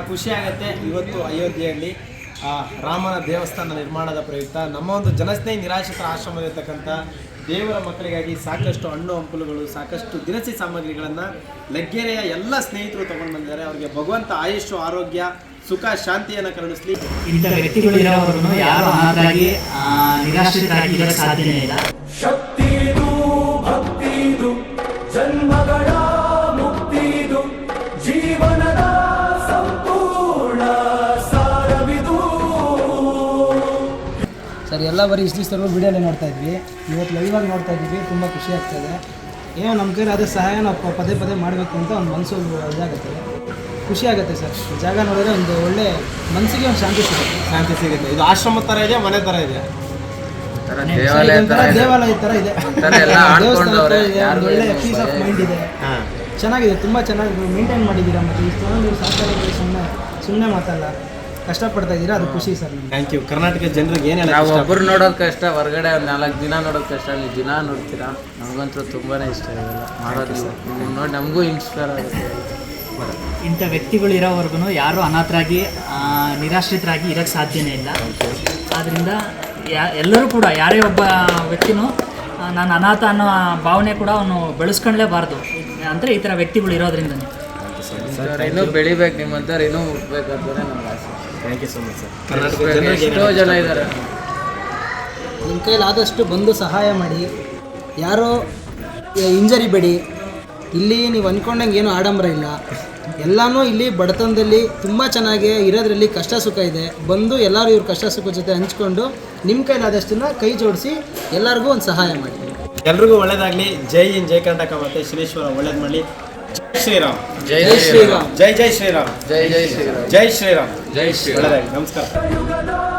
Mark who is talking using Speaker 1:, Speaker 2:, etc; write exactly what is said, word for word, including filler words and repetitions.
Speaker 1: ಖುಷಿ ಆಗುತ್ತೆ. ಇವತ್ತು ಅಯೋಧ್ಯೆಯಲ್ಲಿ ರಾಮನ ದೇವಸ್ಥಾನ ನಿರ್ಮಾಣದ ಪ್ರಯುಕ್ತ ನಮ್ಮ ಒಂದು ಜನಸ್ನೇಹಿ ನಿರಾಶ್ರಿತರ ಆಶ್ರಮದಲ್ಲಿರ್ತಕ್ಕಂಥ ದೇವರ ಮಕ್ಕಳಿಗಾಗಿ ಸಾಕಷ್ಟು ಹಣ್ಣು ಹಂಪಲುಗಳು, ಸಾಕಷ್ಟು ದಿನಸಿ ಸಾಮಗ್ರಿಗಳನ್ನು ಲಗ್ಗೆರೆಯ ಎಲ್ಲ ಸ್ನೇಹಿತರು ತಗೊಂಡು ಬಂದಿದ್ದಾರೆ. ಅವರಿಗೆ ಭಗವಂತ ಆಯುಷು, ಆರೋಗ್ಯ, ಸುಖ, ಶಾಂತಿಯನ್ನು ಕರುಣಿಸಲಿ.
Speaker 2: ಇಂಥ ವ್ಯಕ್ತಿಗಳು ಇರೋವರೆಗೂ ಯಾರು ಅನಾಥರಾಗಿ ನಿರಾಶ್ರಿತರಾಗಿ ಇರಕ್ಕೆ ಸಾಧ್ಯನೇ ಇಲ್ಲ.
Speaker 3: ಶಕ್ತಿದು ಭಕ್ತಿದು ಜನ್ಮಗಳ ಮುಕ್ತಿದು ಜೀವನದ ಸಂಪೂರ್ಣ ಸಾರವಿದು.
Speaker 4: ಸರ್, ಎಲ್ಲ ಬರೀ ಇಷ್ಟು ದಿವಸ ವಿಡಿಯೋನೇ ನೋಡ್ತಾ ಇದ್ವಿ, ಇವತ್ತು ಲೈವ್ ಆಗಿ ನೋಡ್ತಾ ಇದ್ವಿ. ತುಂಬ ಖುಷಿ ಆಗ್ತಾಯಿದೆ. ಏನೋ ನಮ್ಮ ಕೈಲಿ ಅದೇ ಸಹಾಯ ನಾವು ಪದೇ ಪದೇ ಮಾಡಬೇಕು ಅಂತ ಒಂದು ಮನಸ್ಸು ಇದಾಗುತ್ತೆ, ಖುಷಿ ಆಗುತ್ತೆ ಸರ್. ಜಾಗ ನೋಡಿದ್ರೆ ಒಂದು ಒಳ್ಳೆ ಮನಸ್ಸಿಗೆ ಒಂದು ಶಾಂತಿ ಸಿಗುತ್ತೆ
Speaker 1: ಶಾಂತಿ ಸಿಗುತ್ತೆ ಇದು ಆಶ್ರಮ ಥರ ಇದೆ, ಮನೆ ಥರ ಇದೆ,
Speaker 4: ದೇವಾಲಯ ಥರ ಇದೆ, ದೇವಸ್ಥಾನ ಥರ ಇದೆ, ಒಂದು ಒಳ್ಳೆ ಪೀಸ್ ಆಫ್ ಮೈಂಡ್ ಇದೆ. ಚೆನ್ನಾಗಿದೆ, ತುಂಬ ಚೆನ್ನಾಗಿ ಮೇಂಟೈನ್ ಮಾಡಿದ್ದೀರಾ. ಮತ್ತು ಇಷ್ಟೊಂದು ಸಾಕಾಗಿ ಸುಮ್ಮನೆ ಸುಮ್ಮನೆ ಮಾತಲ್ಲ, ಕಷ್ಟಪಡ್ತಾ ಇದ್ದೀರಾ, ಅದು ಖುಷಿ ಸರ್.
Speaker 1: Thank you. ಕರ್ನಾಟಕ ಜನರಿಗೆ ಏನು ಹೇಳಿ,
Speaker 5: ನಾವು ಒಬ್ಬರು ನೋಡೋದು ಕಷ್ಟ, ಹೊರಗಡೆ ಒಂದು ನಾಲ್ಕು ದಿನ ನೋಡೋದು ಕಷ್ಟ, ನೀವು ದಿನ ನೋಡ್ತೀರಾ. ನಮಗಂತೂ ತುಂಬಾ ಇಷ್ಟ ಇದೆಲ್ಲ ಮಾಡೋದು. ನೀವು ನೋಡಿ ನಮಗೂ ಇನ್ಸ್ಪೈರ್ ಆಗುತ್ತೆ.
Speaker 2: ಇಂಥ ವ್ಯಕ್ತಿಗಳು ಇರೋವರೆಗೂ ಯಾರು ಅನಾಥರಾಗಿ ನಿರಾಶ್ರಿತರಾಗಿ ಇರೋಕ್ಕೆ ಸಾಧ್ಯನೇ ಇಲ್ಲ. ಆದ್ದರಿಂದ ಯಾ ಎಲ್ಲರೂ ಕೂಡ ಯಾರೇ ಒಬ್ಬ ವ್ಯಕ್ತಿನೂ ನಾನು ಅನಾಥ ಅನ್ನೋ ಭಾವನೆ ಕೂಡ ಅವನು ಬೆಳೆಸ್ಕೊಳ್ಳೇಬಾರ್ದು. ಅಂದರೆ ಈ ಥರ ವ್ಯಕ್ತಿಗಳು ಇರೋದ್ರಿಂದನೇ
Speaker 5: ಇನ್ನೂ ಬೆಳಿಬೇಕು, ನಿಮ್ಮಂಥವ್ರು ಇನ್ನೂ ಹುಟ್ಟಬೇಕಂತಲೇ ನಮ್ಮ ಆಸೆ.
Speaker 1: Thank you so much sir.
Speaker 5: Karnataka ಎಷ್ಟೋ ಜನ ಇದ್ದಾರೆ.
Speaker 4: ನಿಮ್ಮ ಕೈಲಾದಷ್ಟು ಬಂದು ಸಹಾಯ ಮಾಡಿ, ಯಾರೋ ಇಂಜರಿ ಬೇಡಿ. ಇಲ್ಲಿ ನೀವು ಅಂದ್ಕೊಂಡಂಗೆ ಏನು ಆಡಂಬರ ಇಲ್ಲ, ಎಲ್ಲನೂ ಇಲ್ಲಿ ಬಡತನದಲ್ಲಿ ತುಂಬ ಚೆನ್ನಾಗಿ ಇರೋದ್ರಲ್ಲಿ ಕಷ್ಟ ಸುಖ ಇದೆ. ಬಂದು ಎಲ್ಲರೂ ಇವ್ರ ಕಷ್ಟ ಸುಖ ಜೊತೆ ಹಂಚ್ಕೊಂಡು ನಿಮ್ಮ ಕೈಲಾದಷ್ಟನ್ನು ಕೈ ಜೋಡಿಸಿ ಎಲ್ಲರಿಗೂ ಒಂದು ಸಹಾಯ ಮಾಡಿ.
Speaker 1: ಎಲ್ರಿಗೂ ಒಳ್ಳೇದಾಗಲಿ. ಜೈ ಇನ್ ಜೈ ಕರ್ನಾಟಕ ಮತ್ತು ಶ್ರೀಶ್ವರ ಒಳ್ಳೇದು ಮಾಡಲಿ. ಜೈ ಶ್ರೀರಾಮ್.
Speaker 5: ಜೈ
Speaker 4: ಜೈ ಶ್ರೀರಾಮ್.
Speaker 1: ಜೈ ಜೈ ಶ್ರೀರಾಮ್.
Speaker 5: ಜೈ ಜೈ ಶ್ರೀರಾಮ್.
Speaker 1: ಜೈ ಶ್ರೀರಾಮ್.
Speaker 5: ಜೈ ಶ್ರೀರಾಮ್.
Speaker 1: ಒಳ್ಳೇದಾಗಲಿ. ನಮಸ್ಕಾರ.